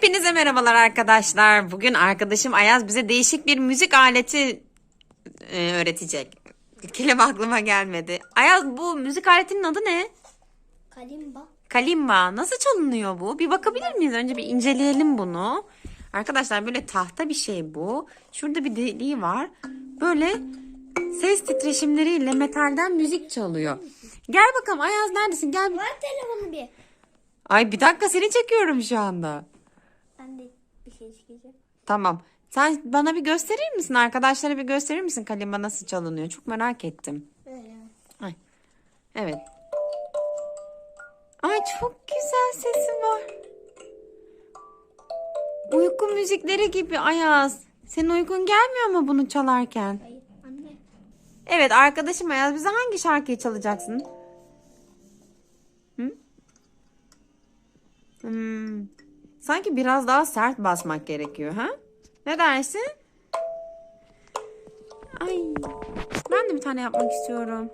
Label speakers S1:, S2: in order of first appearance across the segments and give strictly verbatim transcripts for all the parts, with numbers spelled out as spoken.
S1: Hepinize merhabalar arkadaşlar. Bugün arkadaşım Ayaz bize değişik bir müzik aleti e, öğretecek. Kelime aklıma gelmedi. Ayaz, bu müzik aletinin adı ne?
S2: Kalimba.
S1: Kalimba. Nasıl çalınıyor bu? Bir bakabilir miyiz? Önce bir inceleyelim bunu. Arkadaşlar böyle tahta bir şey bu. Şurada bir deliği var. Böyle ses titreşimleriyle metalden müzik çalıyor. Gel bakalım Ayaz, neredesin? Gel.
S2: Ver telefonu bir.
S1: Ay bir dakika, seni çekiyorum şu anda.
S2: Ben de bir şey çıkacağım.
S1: Tamam. Sen bana bir gösterir misin? Arkadaşlara bir gösterir misin kalimba nasıl çalınıyor? Çok merak ettim.
S2: Öyle.
S1: Ay. Evet. Ay çok güzel sesi var. Uyku müzikleri gibi Ayaz. Senin uykun gelmiyor mu bunu çalarken?
S2: Hayır anne.
S1: Evet, arkadaşım Ayaz, bize hangi şarkıyı çalacaksın? Hı? Hmm. Sanki biraz daha sert basmak gerekiyor, ha? Ne dersin? Ay, ben de bir tane yapmak istiyorum.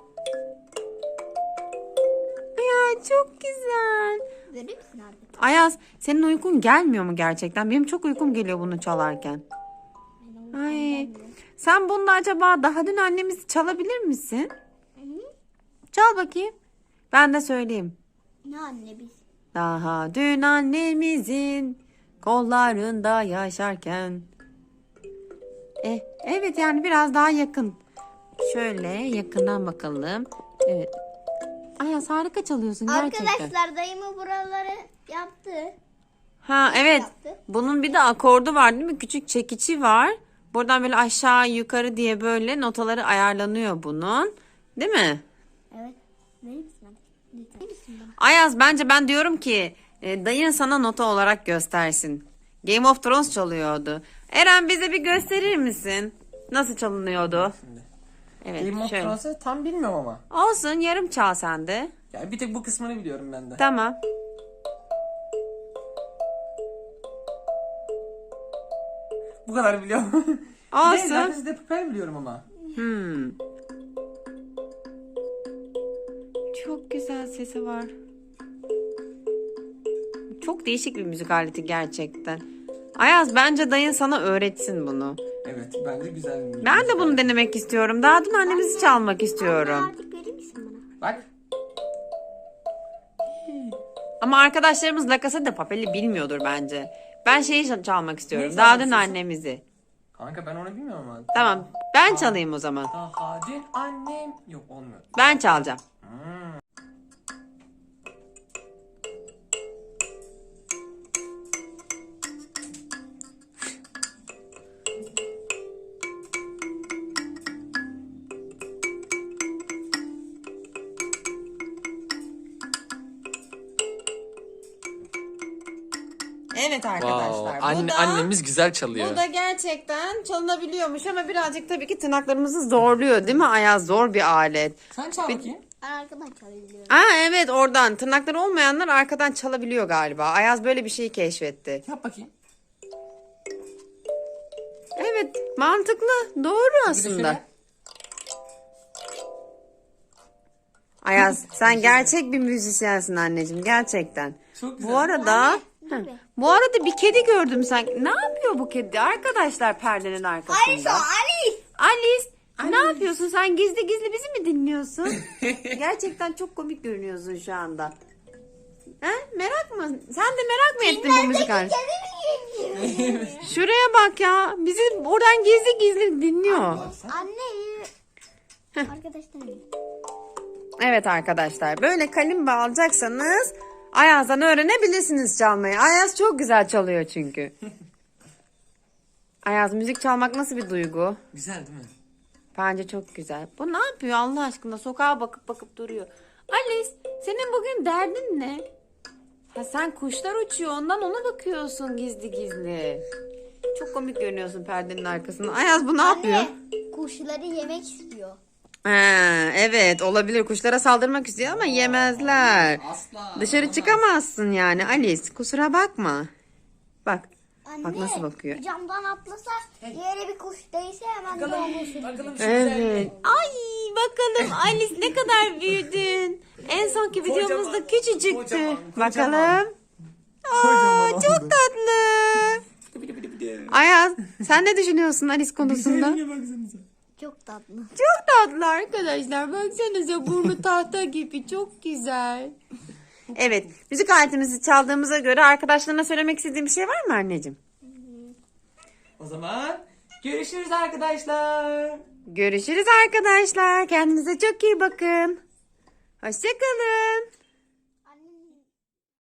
S1: Ya çok güzel.
S2: Verir misin abi?
S1: Ayaz, senin uykun gelmiyor mu gerçekten? Benim çok uykum geliyor bunu çalarken. Ay, sen bununla acaba daha dün annemizi çalabilir misin? Çal bakayım. Ben de söyleyeyim.
S2: Ne anne biz?
S1: Daha dün annemizin kollarında yaşarken. Eh, evet, yani biraz daha yakın. Şöyle yakından bakalım. Evet. Ayaz, harika çalıyorsun gerçekten.
S2: Arkadaşlar dayımı buraları yaptı.
S1: Ha evet.
S2: Yaptı.
S1: Bunun bir de akordu var değil mi? Küçük çekici var. Buradan böyle aşağı yukarı diye böyle notaları ayarlanıyor bunun. Değil mi?
S2: Evet. Verir misin abi? Lütfen. Verir misin bana?
S1: Ayaz, bence ben diyorum ki e, dayın sana nota olarak göstersin. Game of Thrones çalıyordu. Eren, bize bir gösterir misin? Nasıl çalınıyordu?
S3: Şimdi.
S1: Evet,
S3: Game of
S1: şöyle.
S3: Thrones'u tam bilmiyorum ama.
S1: Olsun, yarım çal sen de.
S3: Yani bir tek bu kısmını biliyorum ben de.
S1: Tamam.
S3: Bu kadar biliyorum.
S1: Olsun.
S3: Bir de Lapis de Papel biliyorum ama.
S1: Hmm. Çok güzel sesi var. Çok değişik bir müzik aleti gerçekten. Ayaz, bence dayın sana öğretsin bunu.
S3: Evet, bence güzel bir
S1: Ben de bunu denemek istiyorum. Daha dün annemizi çalmak istiyorum.
S2: Artık verir misin bana?
S3: Bak.
S1: Ama arkadaşlarımız La Casa de Papel'i bilmiyordur bence. Ben şeyi çalmak istiyorum.
S3: Neyi
S1: Daha
S3: çalmak
S1: dün
S3: istiyorsun?
S1: annemizi.
S3: Kanka ben onu bilmiyorum ama.
S1: Tamam. Ben çalayım o zaman.
S3: Daha dün annem. Yok, olmuyor.
S1: Ben çalacağım.
S3: Hmm.
S1: Evet arkadaşlar.
S3: Anne,
S1: bu da,
S3: annemiz güzel çalıyor.
S1: bu da gerçekten çalınabiliyormuş ama birazcık tabii ki tırnaklarımızı zorluyor değil mi Ayaz? Zor bir alet.
S3: Sen çal bakayım.
S2: Ben arkadan çalabiliyorum.
S1: Aa evet, oradan. Tırnakları olmayanlar arkadan çalabiliyor galiba. Ayaz böyle bir şeyi keşfetti.
S3: Yap bakayım.
S1: Evet, mantıklı. Doğru
S3: Bir de
S1: aslında.
S3: şöyle.
S1: Ayaz, sen gerçek bir müzisyensin anneciğim, gerçekten.
S3: Çok güzel.
S1: Bu arada
S2: Dur
S1: Hı.
S2: be.
S1: bu arada bir kedi gördüm sen. Ne yapıyor bu kedi arkadaşlar perdenin arkasında?
S2: Alice o Alice.
S1: Alice, ne yapıyorsun sen, gizli gizli bizi mi dinliyorsun? Gerçekten çok komik görünüyorsun şu anda. He? Merak mı? Sen de merak mı ettin bu müzik aleti?
S2: Kedi mi geliyor?
S1: Şuraya bak ya. Bizi oradan gizli gizli dinliyor.
S2: Anne. Arkadaşlar.
S1: Evet arkadaşlar, böyle kalimba alacaksanız Ayaz'dan öğrenebilirsiniz çalmayı. Ayaz çok güzel çalıyor çünkü. Ayaz, müzik çalmak nasıl bir duygu?
S3: Güzel değil mi?
S1: Bence çok güzel. Bu ne yapıyor Allah aşkına? Sokağa bakıp bakıp duruyor. Alice, senin bugün derdin ne? Ha, sen kuşlar uçuyor, ondan ona bakıyorsun gizli gizli. Çok komik görünüyorsun perdenin arkasında. Ayaz, bu ne yapıyor?
S2: Anne. Kuşları yemek istiyor.
S1: Ha, evet, olabilir. Kuşlara saldırmak istiyor ama yemezler.
S3: Asla.
S1: Dışarı çıkamazsın yani Alice. Kusura bakma. Bak.
S2: Anne.
S1: Bak nasıl bakıyor.
S2: Camdan atlasa yere bir kuş değse hemen doğmuş.
S3: Bakalım şu
S1: Evet.
S3: güzelliğe.
S1: Ay bakalım Alice, ne kadar büyüdün. En sonki videomuzda
S3: Kocaman,
S1: küçücüktü.
S3: kocaman, kocaman.
S1: Bakalım. Aa,
S3: Kocaman
S1: çok
S3: oldu.
S1: tatlı Ayaz sen ne düşünüyorsun Alice konusunda?
S2: Çok tatlı.
S1: Çok tatlı arkadaşlar. Baksanıza burnu tahta gibi. Çok güzel. Evet. Müzik aletimizi çaldığımıza göre arkadaşlarına söylemek istediğin bir şey var mı anneciğim?
S3: O zaman görüşürüz arkadaşlar.
S1: Görüşürüz arkadaşlar. Kendinize çok iyi bakın. Hoşçakalın.